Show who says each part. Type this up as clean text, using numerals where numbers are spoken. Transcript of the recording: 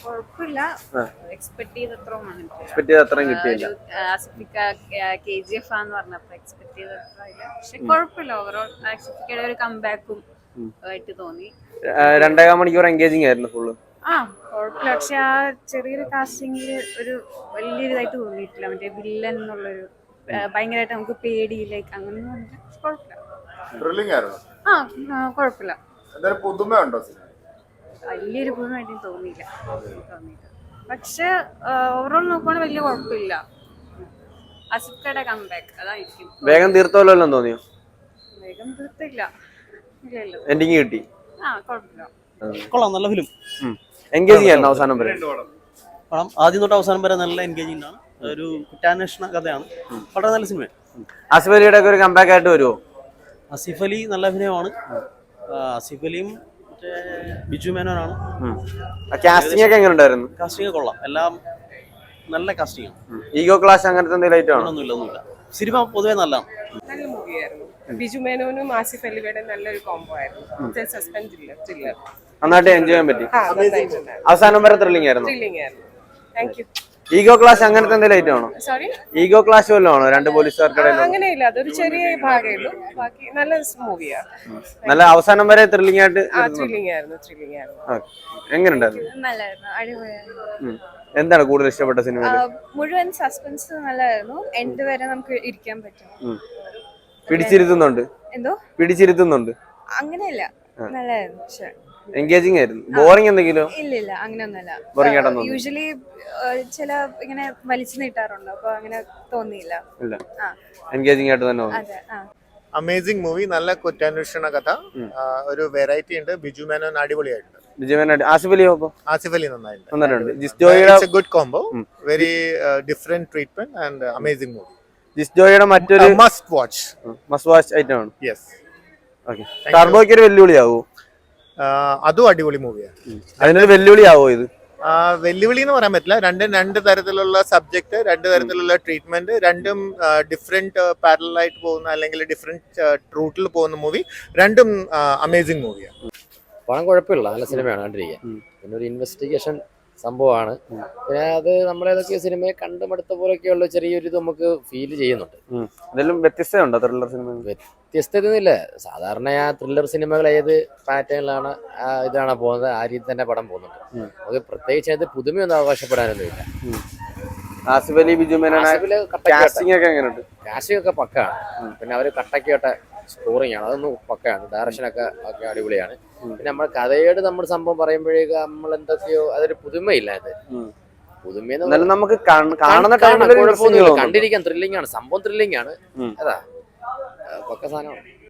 Speaker 1: കുഴപ്പമില്ല. Expect
Speaker 2: expect ചെയ്ത അത്രയും കിട്ടിയില്ല.
Speaker 1: ആസിഫിക്ക KGF ആന്ന് പറഞ്ഞപ്പോ എക്സ്പെക്ട് ചെയ്ത ഇല്ല. പക്ഷെ കുഴപ്പമില്ല. ഓവറോൾ ആസിഫിക്കയുടെ ഒരു കംബാക്കും ആയിട്ട് തോന്നി.
Speaker 2: 2.5 മണിക്കൂർ എൻഗേജിങ് ആയിരുന്നു ഫുള്ള്.
Speaker 1: കുഴപ്പമില്ല. പക്ഷെ ആ ചെറിയൊരു കാസ്റ്റിംഗില് ഒരു വലിയൊരു ഇതായിട്ട് തോന്നിയിട്ടില്ല. മറ്റേ വില്ലൻ എന്നുള്ളൊരു ഭയങ്കരമായിട്ട് നമുക്ക് പേടിയിലേക്ക് അങ്ങനെ കുഴപ്പമില്ല. കുഴപ്പമില്ല. വലിയൊരു പുതുമായിട്ട് തോന്നിയില്ല. പക്ഷെ ഓവറോൾ നോക്കുവാണെങ്കിൽ വലിയ കുഴപ്പമില്ല. അസിഫ്കയുടെ കംബാക്ക് അതായിരിക്കും.
Speaker 2: വേഗം തീർത്തോല്ലോ തോന്നിയോ?
Speaker 1: വേഗം തീർത്തില്ല.
Speaker 2: എൻഡിങ് കിട്ടി.
Speaker 1: കുഴപ്പമില്ല.
Speaker 3: കൊള്ളാം, നല്ല ഫിലിം.
Speaker 2: എൻഗേജിങ് ആയിരുന്നു അവസാനം വരെ.
Speaker 3: പടം ആദ്യം തൊട്ട് അവസാനം വരെ നല്ല എൻഗേജിംഗ് ആണ്. ഒരു കുറ്റാന്വേഷണ കഥയാണ്. വളരെ നല്ല സിനിമയാണ്.
Speaker 2: ആസിഫ് അലിയുടെ ഒക്കെ ഒരു കംബാക്ക് ആയിട്ട് വരുമോ?
Speaker 3: ആസിഫ് അലി നല്ല അഭിനയമാണ്. ആസിഫ് അലിയും ബിജു മേനോനാണ്.
Speaker 2: കാസ്റ്റിംഗ് ഒക്കെ എങ്ങനെ ഉണ്ടായിരുന്നു?
Speaker 3: കാസ്റ്റിംഗ് കൊള്ളാം, എല്ലാം നല്ല കാസ്റ്റിംഗ് ആണ്.
Speaker 2: ഈഗോ ക്ലാഷ് അങ്ങനത്തെ എന്തെങ്കിലും
Speaker 3: ഒന്നുമില്ല. സിനിമ പൊതുവെ നല്ലതാണ്.
Speaker 4: നല്ല മൂവിയായിരുന്നു. ബിജു മേനോനും ആസിഫ് അലിയുടെ നല്ലൊരു കോംബോ ആയിരുന്നു. സസ്പെൻസ് ത്രില്ലർ
Speaker 2: നന്നായിട്ട് എൻജോയ് ചെയ്യാൻ പറ്റി. അവസാനം വരെ ത്രില്ലിംഗ് ആയിരുന്നു.
Speaker 4: Thank you.
Speaker 2: ഈഗോ ക്ലാഷ് അങ്ങനത്തെ എന്തെങ്കിലും ഐറ്റം ആണോ?
Speaker 4: സോറി,
Speaker 2: ഈഗോ ക്ലാഷ് വല്ലതും ആണോ? രണ്ട് പോലീസുകാർക്കിടയിൽ
Speaker 4: അങ്ങനെയില്ല. അതൊരു ചെറിയ ഭാഗമേ ഉള്ളൂ. ബാക്കി നല്ല മൂവിയാണ്.
Speaker 2: നല്ല അവസാനം വരെ ത്രില്ലിംഗ് ആയിട്ട്.
Speaker 4: ത്രില്ലിംഗ് ആയിരുന്നു.
Speaker 2: എങ്ങനെ ഉണ്ടായിരുന്നു?
Speaker 1: നല്ലായിരുന്നു, അടിപൊളിയായിരുന്നു.
Speaker 2: എന്താണ് കൂടുതൽ ഇഷ്ടപ്പെട്ട സിനിമ?
Speaker 1: മുഴുവൻ സസ്പെൻസ് നല്ലതായിരുന്നു. എൻഡ് വരെ നമുക്ക് ഇരിക്കാൻ പറ്റും.
Speaker 2: പിടിച്ചിരുത്തുന്നുണ്ട്.
Speaker 1: എന്തോ
Speaker 2: പിടിച്ചിരുത്തുന്നുണ്ട്.
Speaker 1: അങ്ങനെയല്ല, നല്ലതായിരുന്നു.
Speaker 2: എൻഗേജിംഗ് ആയിരുന്നു. ബോറിംഗ് എന്തെങ്കിലും?
Speaker 1: ഇല്ല, അങ്ങനെയൊന്നുമല്ല.
Speaker 2: ബോറിംഗ് ആയിട്ടൊന്നും
Speaker 1: യൂഷ്വലി ചില ഇങ്ങനെ വലിച്ചു നീട്ടാറുണ്ട്. അപ്പൊ അങ്ങനെ തോന്നിയില്ല.
Speaker 2: ഇല്ല, എൻഗേജിംഗ് ആയിട്ട് തന്നെ തോന്നി.
Speaker 1: അതെ.
Speaker 5: Amazing movie. നല്ല കുറ്റാന്വേഷണ കഥ. ഒരു വെറൈറ്റി ഉണ്ട്. ബിജു മേനോൻ അടിപൊളിയായിട്ടുണ്ട്.
Speaker 2: ആസിഫ് അലിയോ?
Speaker 5: ആസിഫ് അലി നന്നായിട്ടുണ്ട്. Good combo. Very different treatment and amazing movie.
Speaker 2: ജിസ്ജോയുടെ മറ്റൊരു
Speaker 5: മസ്റ്റ് വാച്ച്
Speaker 2: ഐറ്റം ആണ്.
Speaker 5: യെസ്.
Speaker 2: ഓക്കെ. ടർബോയ്ക്ക് ഒരു വെല്ലുവിളിയാവോ?
Speaker 5: അതും അടിപൊളി മൂവിയാണ്.
Speaker 2: അതിനൊരു വെല്ലുവിളിയാവോ ഇത്?
Speaker 5: വെല്ലുവിളി എന്ന് പറയാൻ പറ്റില്ല. രണ്ട് തരത്തിലുള്ള സബ്ജക്ട്, രണ്ട് തരത്തിലുള്ള ട്രീറ്റ്മെന്റ്, രണ്ടും ഡിഫറെന്റ് പാരലായിട്ട് പോകുന്ന അല്ലെങ്കിൽ ഡിഫറെന്റ് റൂട്ടിൽ പോകുന്ന മൂവി. രണ്ടും അമേസിംഗ് മൂവിയാണ്.
Speaker 6: പണം കുഴപ്പമില്ല, നല്ല സിനിമയാണ് കണ്ടിരിക്കാൻ. പിന്നെ ഒരു ഇൻവെസ്റ്റിഗേഷൻ സംഭവമാണ്. പിന്നെ അത് നമ്മളേതൊക്കെ സിനിമയെ കണ്ടുമടുത്ത പോലെയൊക്കെയുള്ള ചെറിയൊരു ഇത് നമുക്ക് ഫീൽ ചെയ്യുന്നുണ്ട്.
Speaker 2: വ്യത്യസ്തമുണ്ടോ ത്രില്ലർ സിനിമ?
Speaker 6: വ്യത്യസ്തതയൊന്നുമില്ല. സാധാരണ ആ ത്രില്ലർ സിനിമകൾ ഏത് പാറ്റേണിലാണ് ഇതാണ് പോകുന്നത്, ആ രീതി തന്നെ പടം പോകുന്നുണ്ട്. അത് പ്രത്യേകിച്ച് അത് പുതുമയൊന്നും അവകാശപ്പെടാനൊന്നുമില്ല.
Speaker 2: ആസിഫ് അലി, ബിജു മേനോൻ കാസ്റ്റിംഗ്
Speaker 6: ഒക്കെ പക്കാണ്. പിന്നെ അവര് കട്ടക്കോട്ടെ സ്കോറിംഗ് ആണ്, അതൊന്നും പക്കയാണ്. ഡയറക്ഷനൊക്കെ അടിപൊളിയാണ്. പിന്നെ നമ്മൾ കഥയോട് നമ്മൾ സംഭവം പറയുമ്പോഴേക്ക് നമ്മൾ എന്തൊക്കെയോ അതൊരു പുതുമയില്ല. അത് പുതുമയെന്ന് നമുക്ക് കണ്ടിരിക്കാൻ ത്രില്ലിംഗ് ആണ്. സംഭവം ത്രില്ലിംഗ് ആണ്. അതാ പക്ക സാധനമാണ്.